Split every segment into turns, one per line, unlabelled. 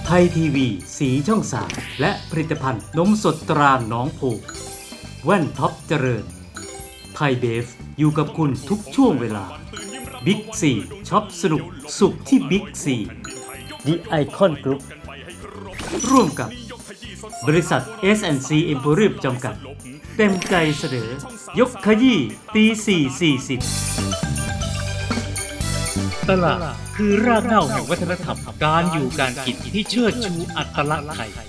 ไทยทีวีสีช่อง3และผลิตภัณฑ์นมสดตราหนองโพแว่นท็อปเจริญไทยเบฟอยู่กับคุณทุกช่วงเวลาบิ๊กซีช็อปสนุกสุขที่บิ๊กซีดิไอคอนกรุ๊ปร่วมกับบริษัท S&C Emporium จำกัดเต็มใจเสนอยกขยี้ตี4:40ตลาดคือรากเหง้าแห่งวัฒนธรรมการอยู่การกินที่เชิดชูอัตลักษณ์ไทย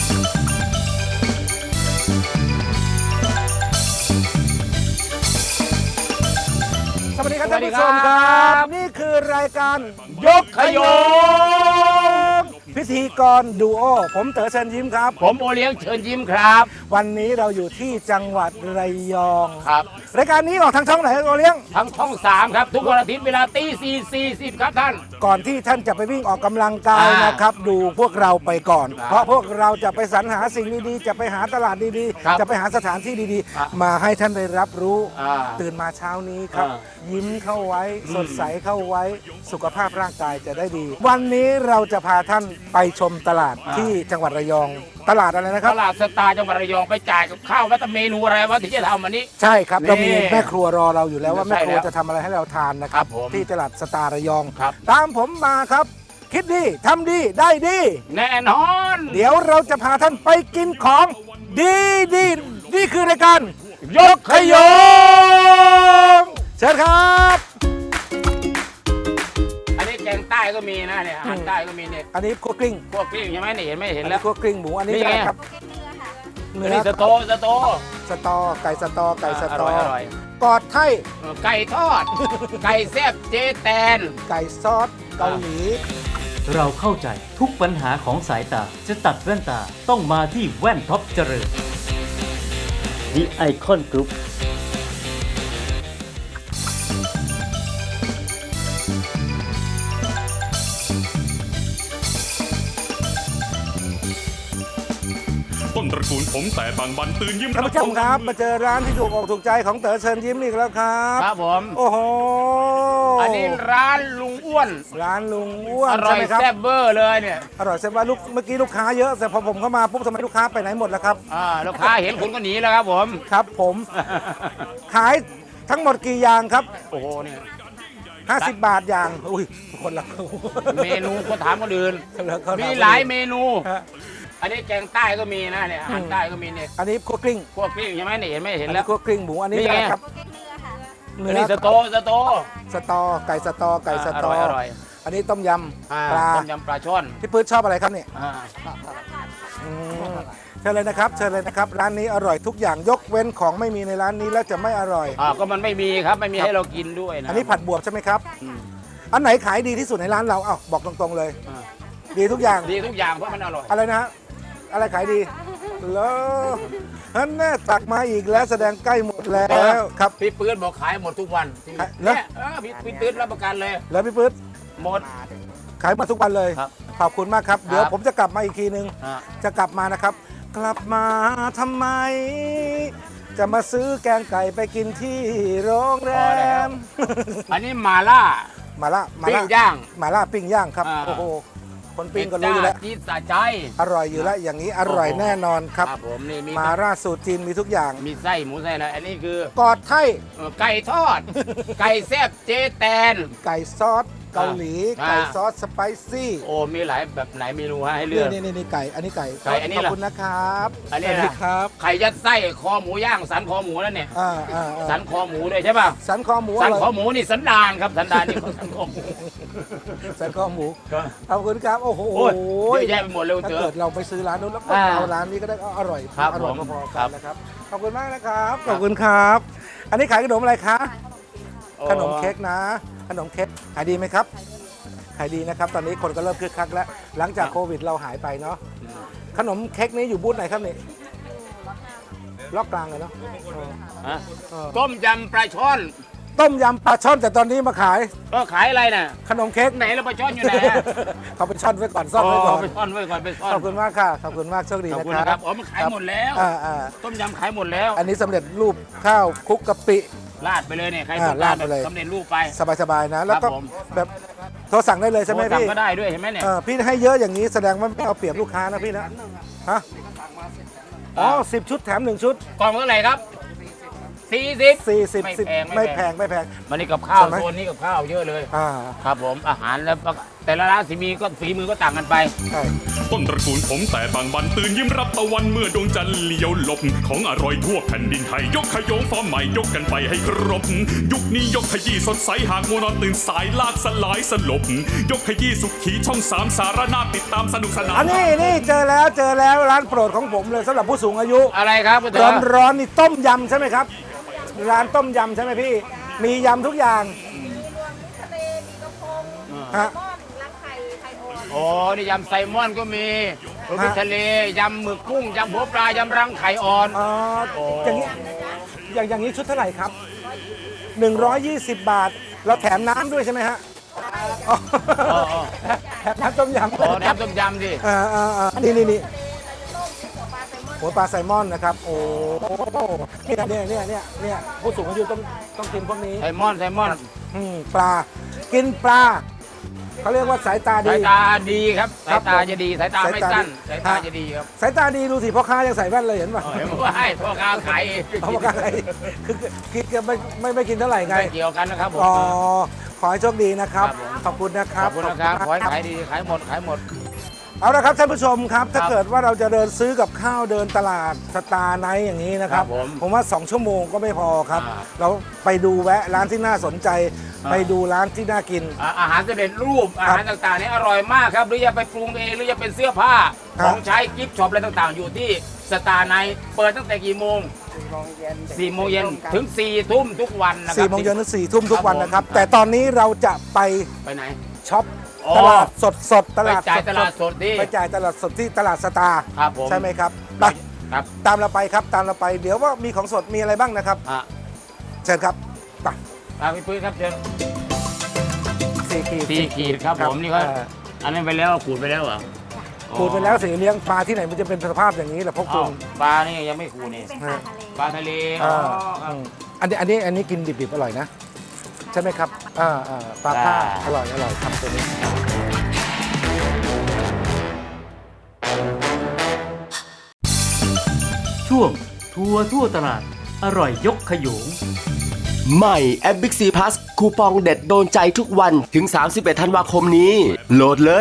สวัสดีครับท่านผู้ชมครับนี่คือรายการยกขยงพิธีกรดูโอผมเต๋อเชิญยิ้มครับ
ผมโอเลี้ยงเชิญยิ้มครับ
วันนี้เราอยู่ที่จังหวัดระยอง
ครับ
รายการนี้ออกทางช่องไหนโอเลี้ยง
ทางช่อง3ครับทุกวันอาทิตย์เวลาตี4:40ครับท่าน
ก่อนที่ท่านจะไปวิ่งออกกำลังกายนะครับดูพวกเราไปก่อนเพราะพวกเราจะไปสรรหาสิ่งดีๆจะไปหาตลาดดีๆจะไปหาสถานที่ดีๆมาให้ท่านได้รับรู้ตื่นมาเช้านี้ครับยิ้มเข้าไว้สดใสเข้าไว้สุขภาพร่างกายจะได้ดีวันนี้เราจะพาท่านไปชมตลาดที่จังหวัดระยองตลาดอะไรนะครับ
ตลาดสตาร์จังหวัดระยองไปจ่ายกับข้าวแล้วแต่เมนูอะไรวะที่จะทำวันนี้
ใช่ครับเรามีแม่ครัวรอเราอยู่แล้วว่าแม่ครัวจะทำอะไรให้เราทานนะครับที่ตลาดสตาร์ระยองตามผมมาครับคิดดีทำดีได้ดี
แน่นอน
เดี๋ยวเราจะพาท่านไปกินของดีดีนี่คือรายการ
ยกขยง
เชิญครับ
อันนี้แกงใต้ก็มีนะเนี่ยอาหารใต้ก็มีเนี่ย
อันนี้คั่วกลิ้ง
ใช่ไหมเนี่ยเห็นไหมเห็นแล้ว
คั่วกลิ้งหมูอันนี้อะไรครับ
เนื้อสโต
ไก่สตอ
ก
อดไทย
ไก่ทอดไก่แซ่บเจแตน
ไก่ซอสเกาหลี
เราเข้าใจทุกปัญหาของสายตาจะตัดแว่นตาต้องมาที่แว่นท็อปเจริญ The Icon Group
ต้นตระกูลผมแต่บางบันตื่นยิ้ม
ท่านผู้ชมครับมาเจอร้านที่ถูกอกถูกใจของเต๋อเชิญยิ้มอีกแล้วครับ
ครับผม
โอ้โห
อันนี้ร้านลุงอ้วน
อร่อย
แซ่บเบอร์เลยเนี่ย
อร่อยแซ่บว่าเมื่อกี้ลูกค้าเยอะแต่พอผมเข้ามาปุ๊บทำไมลูกค้าไปไหนหมดแล้วครับ
ลูกค้าเห็นคุณก็หนีแล้วครับผม
ครับผมขายทั้งหมดกี่อย่างครับ
โอ้โหเนี่ย
50 บาทอย่างอุ้ยคนละ
เมนูก็ถามคนอื่นมีหลายเมนูอันนี้แกงใต้ก็มีนะเนี่ยอาหารใต้ก็มีเนี่ย
อันนี้คั่วกลิ้ง
ใช่ไหมเนี่ยเห็นไหมเห็นแล้ว
คั่วกลิ้งหมูอันนี้อะไรครับ
อันนี้สโต
ไก่สตอ
อร่อย
อันนี้ต้มยำปลา
ช่อน
พี่ปื๊ดชอบอะไรครับเนี่ยเชิญเลยนะครับร้านนี้อร่อยทุกอย่างยกเว้นของไม่มีในร้านนี้แล้วจะไม่อร่อย
ก็มันไม่มีครับไม่มีให้เรากินด้วยนะ
อันนี้ผัดบวบใช่ไหมครับอันไหนขายดีที่สุดในร้านเราบอกตรงๆเลยดีทุกอย่าง
เพราะมันอร่อย
อะไรนะอะไรขายดีแล้วนั่นแน่ตักมาอีกแล้วแสดงใกล้หมดแล้วครับ
พี่ปื๊ดบอกขายหมดทุกวันเนี่ยพี่ปื๊ดรับประกันเลย
แล้วพี่ปื๊ด
หมด
ขายมาทุกวันเลยขอบคุณมากครับเดี๋ยวผมจะกลับมาอีกทีนึงจะกลับมานะครับกลับมาทำไมจะมาซื้อแกงไก่ไปกินที่โรงแรม
อันนี้มาล่า
ปิ้งย่างครับโอ้โหคนปิ้งก็รู้อยู่แล้ว
จี๊ดสะใจ
อร่อยอยู่แล้วอย่างนี้อร่อยแน่นอนครับ
ผมนี่
มาล่าสูตรจีนมีทุกอย่าง
มีไส้หมูไส้อะไรอันนี้คื
อกอดไทย
ไก่ทอดไก่แซ่บเจแตน
ไก่ซอสเกาหลีไก่ซอสสไปซี่
โอ้มีหลายแบบไหนเมนูให้เลือก
นี่ไก่อันนี้ไก่
อันนี้
ขอบคุณนะครับ
อันนี้นะครับไข่ยัดไส้คอหมูย่างสันคอหมูแล้วเนี่ยสันคอหมูด้วยใช่ป่ะ
สันคอหมู
นี่สันดานครับสันดานนี่สันคอหมู
ขอบคุณครับโอ้โห
เยอะแยะไปหมดเลย
ถ้าเกิดเราไปซื้อร้านนู้นแล้วก็เอาร้านนี้ก็ได้อร่อยพอๆกันนะครับขอบคุณมากนะครับขอบคุณครับอันนี้ขายขนมอะไรคะขนมเค้กนะขนมเค้กขายดีไหมครับขายดีนะครับตอนนี้คนก็เริ่มคึกคักแล้วหลังจากโควิดเราหายไปเนาะขนมเค้กนี้อยู่บูธไหนครับนี่ล็อกกลางเลยเนาะ
ต้มยำปลาช่อน
แต่ตอนนี้มาขาย
ก็ขายอะไรน่ะ
ขนมเค้ก
ไหนแล้วปลาช่อนอยู่ไหน
เขาไปช่อนไว้ก่อนซ่อนไว้ก่อน
ไปซ่อนไว้ก่อน
ขอบคุณมากค่ะขอบคุณมากโชคดีนะครับ
มันขายหมดแล้วต้มยำขายหมดแล้ว
อันนี้สำเร็จรูปข้าวคลุกกะปิ
ราดไปเลยเนี่ยใครต้องการแบบสำเร็จรูปไป
สบายๆนะแล้วก็แบบรสั่งได้เลยใช่ไหม
โทรสั่ง
พี่
ก็ได้ด้วยเห็นไหมเนี่ย
พี่ให้เยอะอย่างนี้แสดงว่าไม่เอาเปรียบลูกค้านะพี่นะฮะอ๋อ10 ชุดแถม 1 ชุด
กล่องเท่าไหร่ครับ40
40
ไม่แพง
ไม่แพง
มันนี่กับข้าว
ใช่ไหม
โซนนี้กับข้าวเยอะเลย
อ่า
ครับผมอาหารแล้วแต่ละร้านฝีมือก็ต่างกันไป
ใช่
ต้นตระกูลผมแต่บางบันตื่นยิ้มรับตะวันเมื่อดวงจันทร์เลี้ยวหลบ ของอร่อยทั่วแผ่นดินไทย ยกขยงฟอร์มใหม่ยกกันไปให้ครบ ยุคนี้ยกขยี้สดใสหากมัวนอนตื่นสายลากสลายสลบ ยกขยี้สุขีช่อง3สารนาติดตามสนุกสนาน
อันนี้นี่เจอแล้วร้านโปรดของผมเลยสำหรับผู้สูงอายุ
อะไรครับคุณเต๋
ร้
อ
อนร้อนๆนี่ต้มยำใช่ไหมครับ ร้านต้มยำใช่ไหมพี่ มียำทุกอย่าง
ทะเลมีกระพง
ฮะ
ม่อนรักไข่ไข่อ่อน
โอ้นี่ยำไซลมอนก็มีรสทะเลยำหมึกกุ้งยำหัวปลายำรังไข่อ่อน
อ๋ออย่างนี้อย่างนี้ชุดเท่าไหร่ครับ 120 บาท เราแถมน้ำด้วยใช่ไหมฮะอ๋อแถมน้ำต้มยำ
โอ้น้ำต้มยำดิ
นี่หัวปลาไซลมอนนะครับโอ้เนี่ยผู้สูงอายุต้องกินพวกนี้
ไซลมอน
ปลากินปลาเขาเรียกว่าสายตา
สา
ดี
ยตาดีครับ
ครั
สา
บ
ยตาจะดีสายตาไม่สั้น
สา
สาย ย
ตาดี
ตาจะดีครับ
สายตาดีดูสิพ่อค้ายังใส่แว่นเลยเห็นป่ะ
เห็นว่าให้พ่อค้าขาย
พ่อค้าคือกินไม่กินเท่าไหร่ไง
ไม่เกี่ยวกันนะครับผม
อ๋อขอให้โชคดีนะครับ
ครับผม
ขอบคุณนะค
ข
รั
อ
บบ
คุณนะครับขอให้ขายดีขายหมด
เอาละครับท่านผู้ชมครับ ถ้า
ครับ
เกิดว่าเราจะเดินซื้อกับข้าวเดินตลาดสตาร์ไนท์อย่างนี้นะครับ
ครับผม
ว่า 2 ชั่วโมงก็ไม่พอครับ
อ่า
เราไปดูแวะร้านที่น่าสนใจ
อ่า
ไปดูร้านที่น่ากิน
อาหารสำเร็จรูปอาหารต่างๆนี่อร่อยมากครับหรือจะไปปรุงเองหรือจะเป็นเสื้อผ้า
ครับ
ของใช้กิฟต์ช็อปอะไรต่างๆ อยู่ที่สตาร์ไนท์เปิดตั้งแต่กี่โมง4 โมงเย็นถึง 4 ทุ่มทุกวันนะครั
4 โมงเย็นถึง 4 ทุ่มทุกวัน
ครับผม
นะครับ แต่ตอนนี้เราจะไป
ไปไหน
ช็อป
อ๋อ
ตลาดสดต
ไป
ลาด
จ่ายตลาด
ส
ส
ด
ดที่
ไปจ่ายตลาดสดที่ตลาดสตาร์
ครับผม
ใช่ไหมครับไป
ครับ
ตามเราไปครับตามเราไปเดี๋ยวว่ามีของสดมีอะไรบ้างนะครับ
อ่ะ
เชิญครับไป
พี่ปุ้ยครับเชิญ
4 ขีด
4 ขีดครับผมนี่ก็อันนั้นไปแล้วขูดไปแล้วเหรอ
ขูดไปแล้วสีเลี้ยงปลาที่ไหนมันจะเป็นสภาพอย่างนี้แหละพวกคุ
อ้าว
ณ
ปลานี่ยังไม่ขูดนี่
เป็นปลาทะเล
ปลาทะเลอ๋
อ่า
อครับ
อันนี้กินดิบๆอร่อยนะ ใช่ไหมครับปลาผ้าอร่อยครับตัวนี้
ช่วงทัวร์ทั่วตลาด อร่อยยกขยง
ใหม่แอป Big C Plus คูปองเด็ดโดนใจทุกวันถึง 31 ธันวาคมนี้ โหลดเลย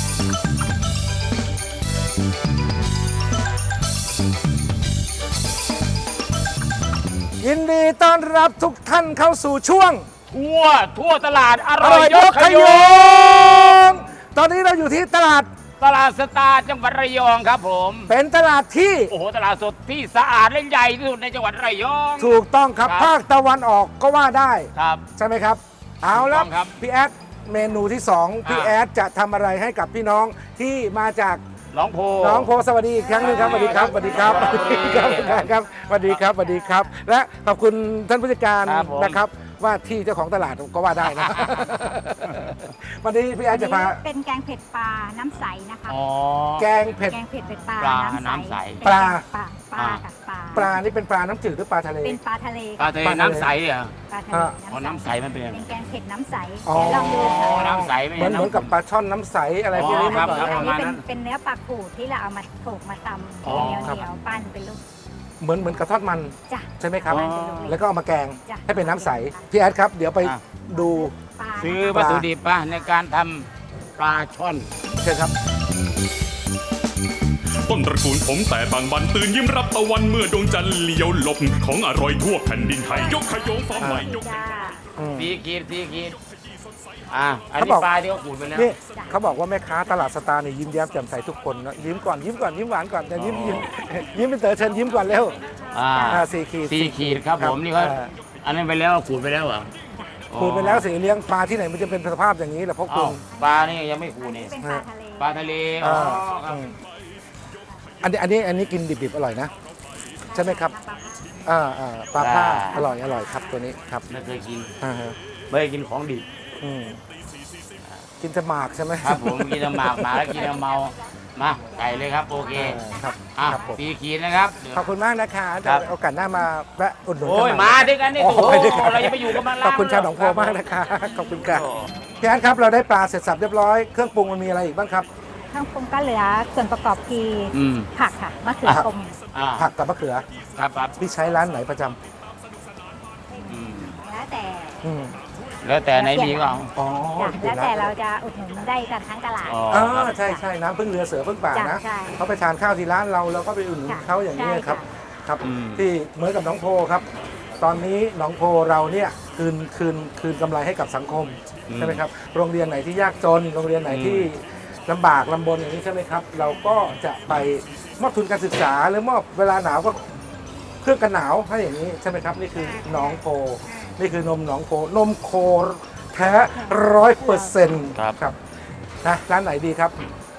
ยินดีต้อนรับทุกท่านเข้าสู่ช่วง
ทั่วตลาดอ
อ
ร่
ร่
อ
อย ย
ย
ย
ก
ก
ข
ข
ย
ย
ง
งตอนนี้เราอยู่ที่ตลาด
ตลาดสตาร์จังหวัดระยองครับผม
เป็นตลาดที่
โอ้โหตลาดสดที่สะอาดและใหญ่ที่สุดในจังหวัดระยอง
ถูกต้องครับ
ครับ
ภาคตะวันออกก็ว่าได้
ครับ
ใช่ไหมครับ เอาละ
ถูกต้องครับ
พี่แอดเมนูที่ 2 พี่แอดจะทำอะไรให้กับพี่น้องที่มาจาก
น้องโพ
น้องโพสวัสดีอีกครั้งหนึงครับสวัสดีครับสวัสดีครับ
สวัสดีครับ
ครับสวัสดีครับสวัสดีครับ และขอบคุณท่านผู้จัดการ
ครับผม
นะครับ ว่าที่เจ้าของตลาดก็ว่าได้นะ วันนี้พี่แอดจะพา
เป็นแกงเผ็ดปลาน้ำใสนะคะ
อ๋อ
แกงเผ็ด
แกงเผ็ดเป็นปลา
ปลา
น้ำ
น้ำใส
ใส
ปลา
ปลากับปลา
ปลานี่เป็นปลาน้ำจืดหรือปลาทะเล
เป็นปลาทะเล
ปลาทะเลน้ำใสเหรอ
ปลาทะเล
อ๋อน้ำใสมันเป็นยังไง
เป็นแกงเผ็ดน้ำใส
อ๋อ
เดี๋ยวลองดู
อ๋อ
ค่ะ
น้ำใสไม่
เหมือน
ใช่
เหมือนกับปลาช่อนน้ำใสอะไรพวกนี้
อ๋อครับ
เมื่อก่อน
อัน
ประมาณ
นี้
นั้น
เป็นเนื้อปลาขูดที่เราเอามาโขลกมาตำ
อ๋อ
เหนียว
ครับ
เหนียวปั้นเป็นลูก
เหมือนกระทอดมัน
จ้ะ
ใช่ไหมครับ
ปั้นเป็นลูก
แล้วก็เอามาแกง
จ้ะ
ให้เป็นน้ำใส พี่แอดครับ เดี๋ยวไป
อ่ะ
ดู
ปลา
ซื้อวัตถุดิบป่ะในการทำปลาช่อน
เชิญครับ
ต้นตระกูลผมแต่บางบันตื่นยิ้มรับตะวันเมื่อดวงจันทร์เลี้ยวหลบ ของอร่อยทั่วแผ่นดินไทย ยกขยงฟอร์มใหม่ยก
จ้า
4 ขีดอัน
เขา
นี้
บอก
ปลาที่เขาขูดไปแล้ว
นี่เขาบอกว่าแม่ค้าตลาดสตาร์เนี่ยยิ้มแย้มแจ่มใสทุกคนนะยิ้มก่อนยิ้มหวานก่อนจะยิ้มเป็นเต๋อเชิญยิ้มก่อนเร็ว 4 ขีด
4 ขีดครับผมนี่เขาอันนั้นไปแล้วขูดไปแล้วเหรอ
ขูดไปแล้วสีเลี้ยงปลาที่ไหนมันจะเป็นสภาพอย่างนี้แหละพวกคุ
อ้าว
ณ
ปลานี่ยังไม่ขูดนี่
เป็นปลาทะเล
ปลาทะเล
อ่า
อ๋อครับ
อันนี้กินดิบๆอร่อยนะ ใช่ไหมครับปลาผ้าอร่อยครับตัวนี้ครับ
ไม่เคยกิน
อ่าฮะ
ไม่เคยกินของดิบ
อืมกินแต่หมากใช่ไหม
ครับผมกินแต่หมากหมาแล้วกินแต่เมามาไก่เลยครับโอเค
ครับ
อ่ะ
ครับผม
4 ขีดนะครับ
ขอบคุณมากนะคะเดี๋
ครั
ยว
บ
โอกาสหน้ามาแวะอุดหนุน
โอ้ย
กันให
มาด้วยกันนี่
โอ้
โอ้
โห
โห
ไปด้วยกัน
เราจะไปอยู่กันมา
ขอบคุณชาวหนองโพมากนะคะขอบคุณค่ะพี่แอนครับเราได้ปลาเสร็จสับเรียบร้อยเครื่องปรุงมันมีอะไรอีกบ้างครับ
เครื่องปรุงก็เหลือส่วนประกอบคือ
อืม
ผักค่ะมะเขือกลม
อ่า
ผักกับมะเขือ
ครับครับ
พี่ใช้ร้านไหนประจ
อืม
แล้วแต่
ำอืม
แล้วแต่ไหนมีก็เอา
อ๋อ
แล้วแต่เราจะอุดหนุนได้กันทั้งตลาด
อ๋อ
อ๋อ
ครับ
ใช่ใช่น้ำพึ่งเรือเสือพึ่งป่านะ
ใช่
เขาไปทานข้าวที่ร้านเราก็ไปอุดหนุน
ค่ะ
เขาอย่างนี้
ใช่
ครับ
ค่ะ
ครับ
อืม
ที่เหมือนกับหนองโพครับ ตอนนี้หนองโพเราเนี่ยคืนกำไรให้กับสังคมใช่ไหมครับโรงเรียนไหนที่ยากจนโรงเรียนไหนที่ลำบากลำบนอย่างนี้ใช่ไหมครับ เราก็จะไปมอบทุนการศึกษาหรือมอบเวลาหนาวก็เครื่องกันหนาวให้อย่างนี้ใช่ไหมครับนี่คือหนองโพนี่คือนมหนองโพนมโคแท้100%ครับนะร้านไหนดีครับ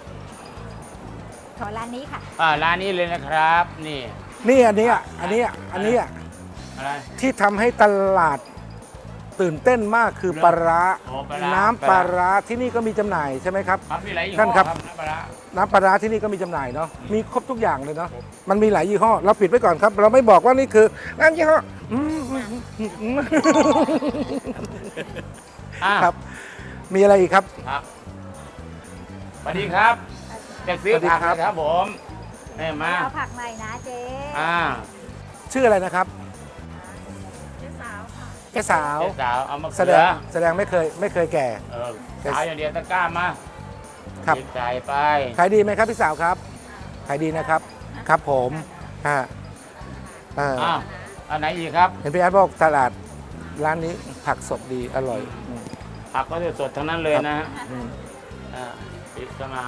ขอร้านนี้ค่ะ
ร้านนี้เลยนะครับ นี่
นี่อันนี้
อะไร
ที่ทำให้ตลาดตื่นเต้นมากคือปลาร้า
อ๋อปลาร้า
น้ำปลาร้าที่นี่ก็มีจำหน่ายใช่ไหมครับ
ครับมีหลายยี่ห้
ท่าน
อ
ครับ
น้ำปลาร้า
น้ำปลาร้าที่นี่ก็มีจำหน่ายเนาะมีครบทุกอย่างเลยเนาะมันมีหลายยี่ห้อเราปิดไว้ก่อนครับ เราไม่บอกว่านี่คือน้ำยี่ห้ออืม
อ่ะ
ครับ มีอะไรอีกครับ
ครับสวัสดีครับจะซื้อ
สวัสดี
ผัก
ครับ
นะครับผมนี่มา
เอาผักใหม่นะเจ๊
ชื่ออะไรนะครับแกสาว
เจ๊สาวเอามา
แสดงไม่เคยแก่
สาวอย่างเดียวตะกร้ามา
ครับ
หยิจ่ายไป
ขายดีไหมครับพี่สาวครับขายดีนะครับครับผมอ่า
อ้าวอันไหนอีกครับ
เห็นพี่แอดบอกตลาดร้านนี้ผักสดดีอร่อยอืม
ผักก็จะสดทั้งนั้นเลยนะฮะ
อืม
ปิดเข้ามา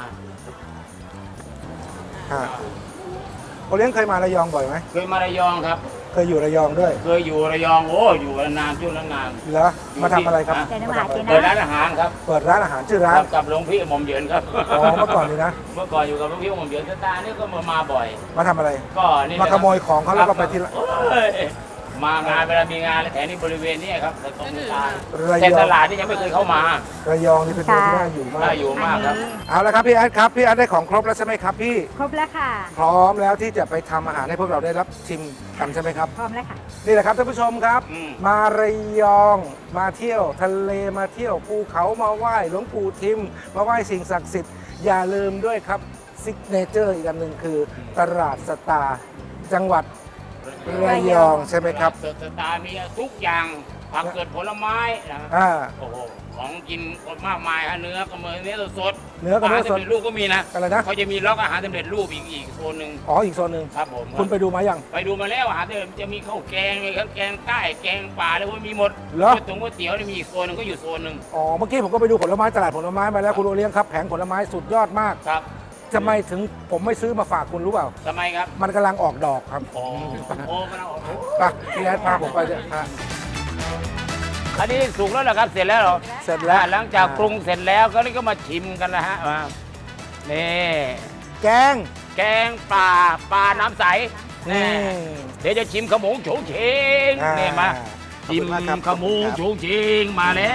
โอเลี้ยงเคยมาระยองบ่อยไหม
เคยมาระยองครับ
เคยอยู่ระยองด้วย
เคยอยู่ระยองโอ้อยู่นานช่วงนั้นนาน
เหรอมาทำอะไรครับ
เจ๊น้ำหาเจ๊
เปิด
นะ
ร้านอาหารครับ
เปิดร้านอาหารชื่อร้า
คน รับกับหลวงพี่หม่อมเหยินครับ
อ๋อเมื่อก่อนนี่นะ
เมื่อก่อนอยู่กับหลวงพี่หม่อมเหยินสตาร์นี่ก็มาบ่อย
มาทำอะไร
ก็นี่
มาขโมยของเขาแล้วก็ไปที่
โอ้ยมางานเวลามีงานแล้วแถวนี้บริเวณนี้ครับตรงกลาง
ระ
แต่
ยอ
ต
ง
ลาดนี่ยังไม่เคยเข้ามา
ระยองนี่เป็นเมืองที่น่าอยู่มา
น่าก อยู่มากครับ
เอาละครับพี่แอดครับพี่แอดได้ของครบแล้วใช่ไหมครับพี่
ครบแล้วค่ะ
พร้อมแล้วที่จะไปทำอาหารให้พวกเราได้รับชิมกันใช่ไหมครับ
พร้อมแล้วค่ะ
นี่แหละครับท่านผู้ชมครับ
อืม
มาระยองมาเที่ยวทะเลมาเที่ยวภูเขามาไหว้หลวงปู่ทิม มาไหว้สิ่งศักดิ์สิทธิ์อย่าลืมด้วยครับซิกเนเจอร์อีกอันหนึ่งคือตลาดสตาร์จังหวัดระยองใช่ไหมครับ
สตาร์มีทุกอย่างผักเกิดผลไม้นะ
อ่า
โอ้โหของกินมากมายฮะเนื้อก็มีเนื้อสด
เนื้อก็เนื้อสด
าหารสำเร็จรูปก็มีนะ
อะไรนะ
เขาจะมีล็อกอาหารสำเร็จรูปอีกโซนหนึ่ง
อ๋ออีกโซนหนึ่ง
ครับผม
คุณไปดูมายัง
ไปดูมาแล้วอาหารสำเร็จจะมีข้าวแกงมีข้าวแกงใต้แกงป่าแล้วก็มีหมด
เหรอ
ก๋วยเตี๋ยวนี่มีอีกโซนหนึงก็อยู่โซนหนึ่ง
อ๋อเมื่อกี้ผมก็ไปดูผลไม้ตลาดผลไม้มาแล้วคุณโอเลี้ยงครับแผงผลไม้สุดยอดมาก
ครับ
ทำไมถึงผมไม่ซื้อมาฝากคุณรู้เปล่า
ทำไมครับ
มันกำลังออกดอกครับ
โอ้โหกำลังออก
ไปพี่แอดพาผมไปเนี่ยฮะ
อันนี้สุกแล้วเหรอครับเสร็จแล้วเหรอ
เสร็จแล้ว
หลังจากปรุงเสร็จแล้วก็นี่ก็มาชิมกันนะฮะมานี่
แกง
แกงปลาน้ำใส
นี่
เดี๋ยวจะชิมขมงโฉงเฉง
อ่า
นี่มา
ขอบ
ชิ
คุ
ม
ณมากครับ
ขมงโฉงเฉงมาแล้ว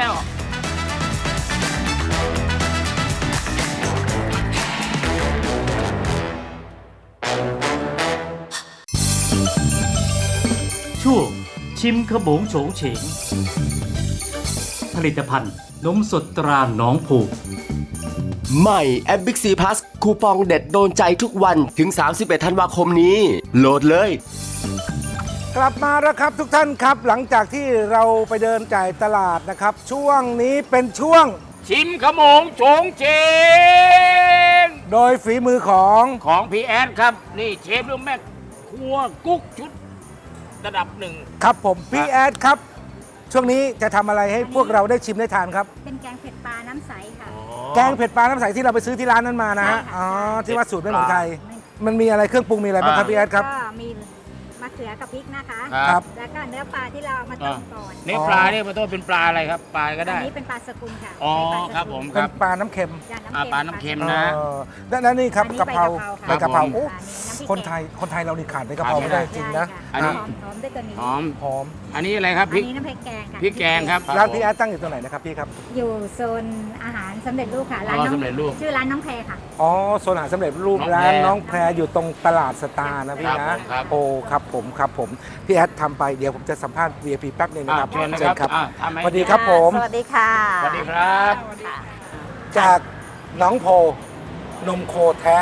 ช่วงชิมขโมงโฉงเฉง ผลิตภัณฑ์นมสดตราหนองผูก
ใหม่แอป Big C Plus คูปองเด็ดโดนใจทุกวันถึง 31 ธันวาคมนี้ โหลดเลย
กลับมาแล้วครับทุกท่านครับ หลังจากที่เราไปเดินจ่ายตลาดนะครับ ช่วงนี้เป็นช่วง
ชิมขมงโฉงเฉง
โดยฝีมือของ
ของพี่แอดครับ นี่เชฟหรือแม่ครัวกุ๊กชุดระดับหนึ่ง
ครับผมพี่แอดครับ ช่วงนี้จะทำอะไรให้พวกเราได้ชิมได้ทานครับ
เป็นแกงเผ็ดปลาน้ำใสค่ะ
แกงเผ็ดปลาน้ำใสที่เราไปซื้อที่ร้านนั้นมานะฮะ
ใช่ค่ะ
อ๋อที่ว่าสูตรไม่เหมือนใครมันมีอะไรเครื่องปรุงมีอะไรบ้างครับพี่แอดครับ
ก็มีมะเขือกับพริกนะคะ
ครับ
แล้วก็เนื้อปลาที่เราเอามาต้มก่อน
นี่ปลาเนี่ยมันต้องเป็นปลาอะไรครับ ปลาก็
อั
ได้
นนี้เป็นปลาสกุลค่ะ
อ๋อ
ใช้ปลาสกุล
ครับผมค
เป็
รั
น
บ
ปลาน้ำเค็ม
จ้ะ
ปลาน้ำเค็ม
เอ
นะ
อและนี่ครับ
อันนี้
กะเพรา
ใบ
ใบ
กะ
กะ
เพ
เพ
รา
ราโอ้
อันนี้น้ำพริก
คนไทยเรานี่ขาดใบกะเพราไม่ได้จริงนะ
อันนี้
หอมด้วยตัวนี้
หอม
หอม
อันนี้อะไรครับพ
อั
ริ
น
ก
นี้น้ำพริกแกงค่ะ
พริกแกงครับ
ร้านพี่แอดตั้งอยู่ตรงไหนนะครับพี่ครับ
อยู่โซนอาหารสำเร็จรูปค่ะร้าน
อ๋อ
น้อง
สำเร็จรูป
ชื่อร้านน้องแพรค่ะ
อ๋อโซนอาหารสำเร็จรูป
น้องแพร
ร้านน้องแพรอยู่ตรงตลาดสตาร์นะพี่
ครั
นะ
บผมครับ
โอ้ครับผมพี่แอดทำไปเดี๋ยวผมจะสัมภาษณ์ VIP แป๊บหนึงนะครับ
เชิญนะครับทำไหม
สวัสดีครับผม
สวัสดีค่ะ
สวัสดีครับ
จากหน้องโพนมโคแท้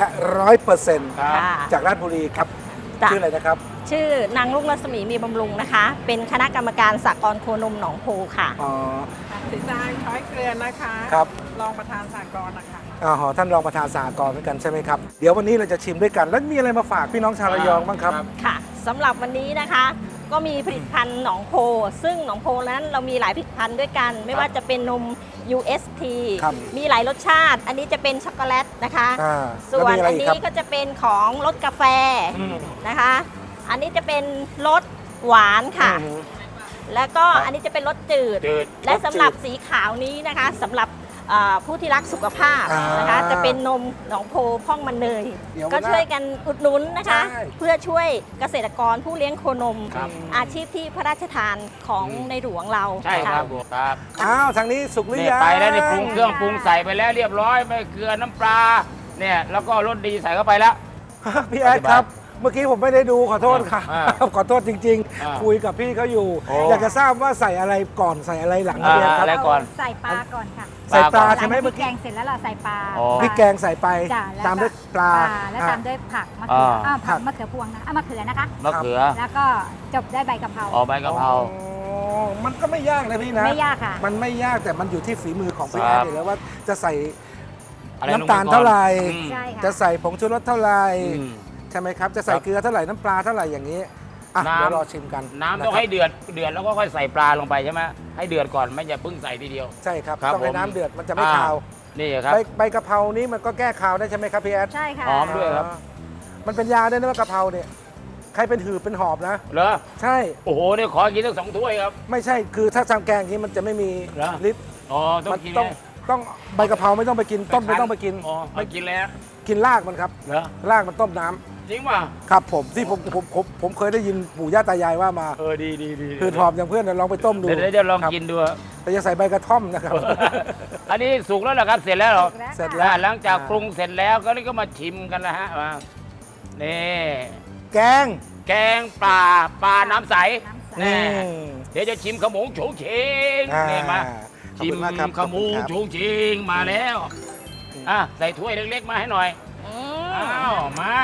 100%
ครับ
ค่ะ
จากราชบุรีครับ
จ้ะ
ชื่ออะไรนะครับ
ชื่อนางลุงรัศมีมีบำรุงนะคะ เป็นคณะกรรมการสหกรณ์โคนมหนองโพค่ะ
อ๋อ
สีจางช้อยเกลือนะคะ
ครับ
รองประธานสากลนะคะ
อ๋อท่านรองประธานสหกรณ์เหมือนกันใช่ไหมครับ เดี๋ยววันนี้เราจะชิมด้วยกัน แล้วมีอะไรมาฝากพี่น้องชาวระยองบ้างครับ
ค่ะสำหรับวันนี้นะคะ ก็มีผลิตภัณฑ์หนองโพ ซึ่งหนองโพนั้นเรามีหลายผลิตภัณฑ์ด้วยกัน ไม่ว่าจะเป็นนม UST
ครับ
มีหลายรสชาติ อันนี้จะเป็นช็อกโกแลตนะคะ
อ่า
ส่วน
แล้มีะไร
อัน
ก
นี้
ครับ
ก็จะเป็นของรสกาแฟ
อืม
นะคะ อันนี้จะเป็นรสหวานค่ะ
อืม
แล้วก็อันนี้จะเป็นรสจืด
จืด
และสำหรับสีขาวนี้นะคะสำหรับผู้ที่รักสุขภาพนะคะ
อ่า
จะเป็นนมหนองโพพ่องมันเนย
เดี๋ยว
ก็ช่วยกันอุดหนุนนะคะ
ใช่
เพื่อช่วยเกษตรกรผู้เลี้ยงโคนม
ครับ
อาชีพที่พระราชทานของในหลวงเรา
ใช่ครับ
ะ
ครับ
อ้าวทางนี้สุกหรือ
เนี่ย
ยัง
ไปแล้วนี่ปรุงเครื่องปรุงใส่ไปแล้วเรียบร้อยไม่เกลือน้ำปลาเนี่ยแล้วก็รสดีใส่เข้าไปแล้ว
พี่แอดครับ เมื่อกี้ผมไม่ได้ดูขอโทษครับ
อ่า
ขอโทษจริง
อ่า
ๆ คุยกับพี่เขาอยู่
โอ้
อยากจะทราบว่าใส่อะไรก่อนใส่อะไรหลังนะพี่แอดค
อะไร
รับ
ก่อน
ใส่ปลาก่อนค่ะ
ใส่ปลา
ก่อน
ใช่ไหม
หลัง
เมื่อ
พริกแก
กี้
งเสร็จแล้วเราใส่ปลา
อ๋อ
พริกแกงใส่ไป
จ้ะแล้ว
ตามด้วยปลา
แล้ว
อ่ะ
ตามด้วยผักมะเขือ
อ่า
ผักมะเขือพวงนะมะเขือนะคะ
มะเขือ
แล้วก็จบด้วยใบกะเพรา
อ๋อใบกะเพรา
อ๋อมันก็ไม่ยากนะพี่นะ
ไม่ยากค่ะ
มันไม่ยากแต่มันอยู่ที่ฝีมือของพี่
ค
แอ
รั
ด
บ
อยู่แล้วว่าจะใส่
อะไรลงไป
น้ำตาลเท่าไหร่
อืม
ใช่ค่ะ
จะใส่ผงชูรสเท่าไหร่
อืม
ใช่ไหมครับ จะใส่
ครับ
เกลือเท่าไหร่น้ำปลาเท่าไหร่อย่างนี้อ่ะ
น้ำ
เดี๋ยวรอชิมกัน
น้ำ
ะ
ต้อง
ครับ
ให้เดือดแล้วก็ค่อยใส่ปลาลงไปใช่ไหมให้เดือดก่อนไม่อย่าเพิ่งใส่ทีเดียว
ใช่ครับ
ครับ
ต้องให้
ผม
น้ำเดือดมันจะไม่
อ่า
คาว
นี่ครับ
ใบกะเพรานี้มันก็แก้คาวได้ใช่ไหมครับพี่แอด
ใช่ค่ะ
หอมด้วยครับ
มันเป็นยาด้วยนะว่ากะเพราเนี่ยใครเป็นหืดเป็นหอบนะ
เหรอ
ใช่
โอ้โหเนี่ยขอกินทั้ง2 ถ้วยครับ
ไม่ใช่คือถ้าทำแกงอย่างนี้มันจะไม่มี
เหรอ
ฤทธิ์
อ๋อต้อ
มั
งกิน
ต้อง
เลย
ต้องใบกะเพราไม่ต้องไปกินต้มไม่ต้องไปกิน
อ๋อไม่กินแล้ว
กินรากมันครับ
เหรอ
รากมันต้มน้ำ
จริงป่ะ
ครับผมที่ผมเคยได้ยินปู่ย่าตายายว่ามา
ดี
คือหอบอย่างเพื่อนนะลองไปต้มดู
เดี๋ยวลอง
ครับ
กินดู
แต่จะใส่ใบกระท่อมนะครับ
อันนี้สุกแล้วเหรอครับเสร็จแล้วเหรอ
เสร็จแล้ว
หลังจากปรุงเสร็จแล้วก็นี่ก็มาชิมกันแล้วฮะมานี่
แกง
แกงปลาน้ำใส
อื
นี่
ม
เดี๋ยวจะชิมขมงโฉงเฉง
อ่า
นี่มา
ขอบ
ชิ
คุ
ม
ณมากครับ
ขมงโฉงเฉงมาแล้วอ่ะใส่ถ้วยเล็กๆมาให้หน่อย
อืม
อ้าวมาร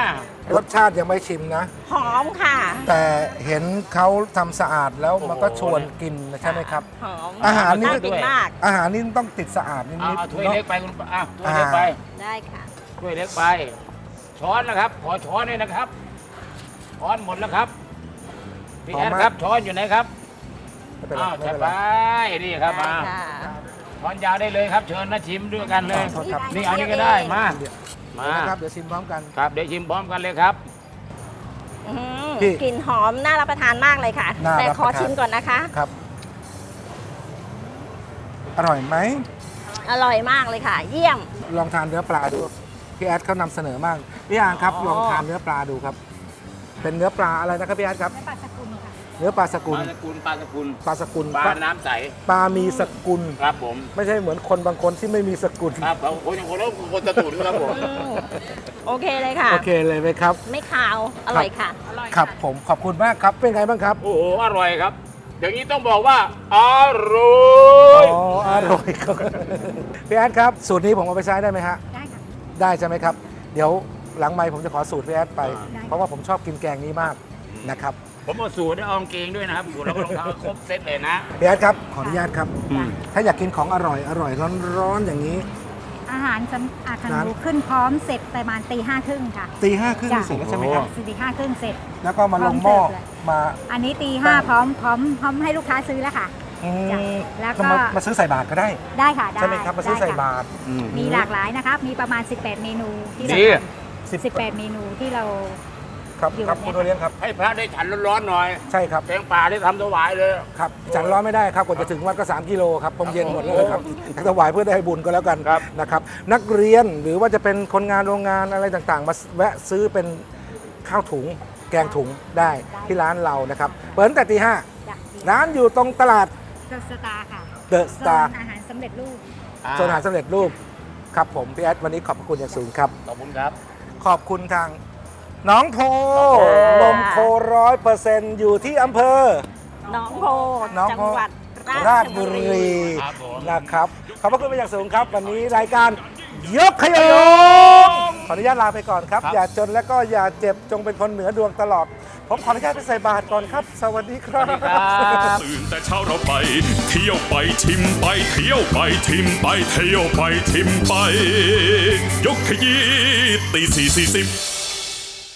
สชาติยังไม่ชิมนะ
หอมค่ะ
แต่เห็นเขาทำสะอาดแล้วมันก็ชวนกินนะใช่ไหมครับ
หอม
อาหารนี่
น่ากินมาก
อาหารนี่ต้องติดสะอาดนิ
เอา
ด
เอา
ๆ
ถ้วย
เนาะ
เล็กไปคุณป้าถ้วยเล็กไป
ได้ค่ะ
ถ้วยเล็กไป ช้อนนะครับ ขอช้อนด้วยนะครับ ช้อนหมดแล้วครับพี่แอดครับช้อนอยู่ไหนครับ
ไม่เป็นไร
อ้าว
ไม่
จะ
เป็น
ไป
ไร
นี่ครับมา
ได้ค่ะ
ช้อนยาวได้เลยครับ เชิญนะชิมด้วยกันเลย
ขอโทษครับ
นี่เอานี่ก็ได้มา
เดี๋ยว
มา
นะครับเดี๋ยวชิมพร้อมกัน
ครับเดี๋ยวชิมพร้อมกันเลยครับ
อืม
พี่
กลิ่นหอมน่ารับประทานมากเลยค่ะ
น่า
แต่
รับ
ขอ
ประทาน
ชิมก่อนนะคะ
ครับ อร่อยไหม
อร่อยมากเลยค่ะ เยี่ยม
ลองทานเนื้อปลาดูพี่แอดเขานำเสนอมากพี่อ่างครับ
อ๋อ
ลองทานเนื้อปลาดูครับ เป็นเนื้อปลาอะไรนะครับพี่แอดครับ
และปลาสกุลค่ะ
เนื้อปลาสกุล
ปลาสกุลปลาสกุล
ปลาสกุล
ปลาน้ำใส
ปลามีสกุล
ครับผม
ไม่ใช่เหมือนคนบางคนที่ไม่มีสกุล
ครับผมคนอย่างคนแล้วคนตะตุ่นครับผม
อืมโอเคเลยค่ะ
โอเคเลยไหมครับ
ไม่คาว อร่อยค่ะ
ครับผมขอบคุณมากครับเป็นไงบ้างครับ
โอ้โหอร่อยครับ อย่างนี้ต้องบอกว่าอร่อย
อ๋ออร่อยครับพี่แอดครับสูตรนี้ผมเอาไปใช้ได้ไหมฮะ
ได้ค่ะ
ได้ใช่ไหมครับ เดี๋ยวหลังไมค์ผมจะขอสูตรพี่แอดไป
ได้
เพราะว่าผมชอบกินแกงนี้มากนะครับ
ผมเอาสูตรได้เอากางเกงด้วยนะครับสูตรแล้วก็รองเท้าครบเซตเลยนะ
พี่แอดครับขออนุญาตครับ
อืม
ถ้าอยากกินของอร่อยร้อนๆอย่างนี้
อาหารสำอาหาร
ร้าน
ขึ้นพร้อมเสร็จประมาณตี 5:30ค่ะ
ตีห้าครึ่ง
จ้ะ
เสร็จแล้วใช่ไหมครับ
ตี 5:30เสร็จ
แล้วก็มาลงหม้อ
พร้อมเสิร์ฟเลย
มา
อันนี้ตี 5พร้อมให้ลูกค้าซื้อแล้วค่ะ
อืม
จ้ะแล้วก็
มาซื้อใส่บาตรก็ได้
ได้ค่ะได้
ใช่ไหมครับมาซื้อ
ได้
ใส่
ค่ะ
บาตร
มีหลากหลายนะครับ มีประมาณ 18 เมนูที่เรา
ดี
18 เมนูที่เรา
ครับ
อยู่
ครับ
แ
คุณโอเลี้ยงครับ
ให้พระได้ฉันร้อนๆหน่อย
ใช่ครับ
แกงป่าได้ทำถวายเลย
ครับฉันร้อนไม่ได้ครับกว่าจะถึงวัดก็3 กิโลครับผมเย็นหมดเลยครับถวายเพื่อได้บุญก็แล้วกัน
ครับ
นะครับนักเรียนหรือว่าจะเป็นคนงานโรงงานอะไรต่างๆ มาแวะซื้อเป็นข้าวถุงแกงถุงได้ที่ร้านเรานะครับเปิดตั้งแต่ตี 5
จ้ะ
ร้านอยู่ตรงตลาด
เดอะสตาร์ค่ะ
เดอะสตาร์
โซนอาหารสำเร็จรูป
โซนอาหารสำเร็จรูปครับผมพี่แอดวันนี้ขอบพระคุณอย่างสูงครับ
ขอบคุณครับ
ขอบคุณทางน้องโพนมโค100%อยู่ที่อำเภอ
หนองโพ
หนอง
จัง
โพ
หวัด
ราชบุรี
ครับผม
นะครับขอบพระคุณเป็นอย่างสูงครับ วันนี้รายการยกขยงขออนุญาตลาไปก่อนครับ อย่าจนและก็อย่าเจ็บจงเป็นคนเหนือดวงตลอด ผมขออนุญาตไปใส่บาตรก่อนครับ สวัสดีครับ
ตื่นแต่เช้าเราไป เที่ยวไปชิมไป เที่ยวไปชิมไป เที่ยวไปชิมไป ยกขยี้ตี 4:40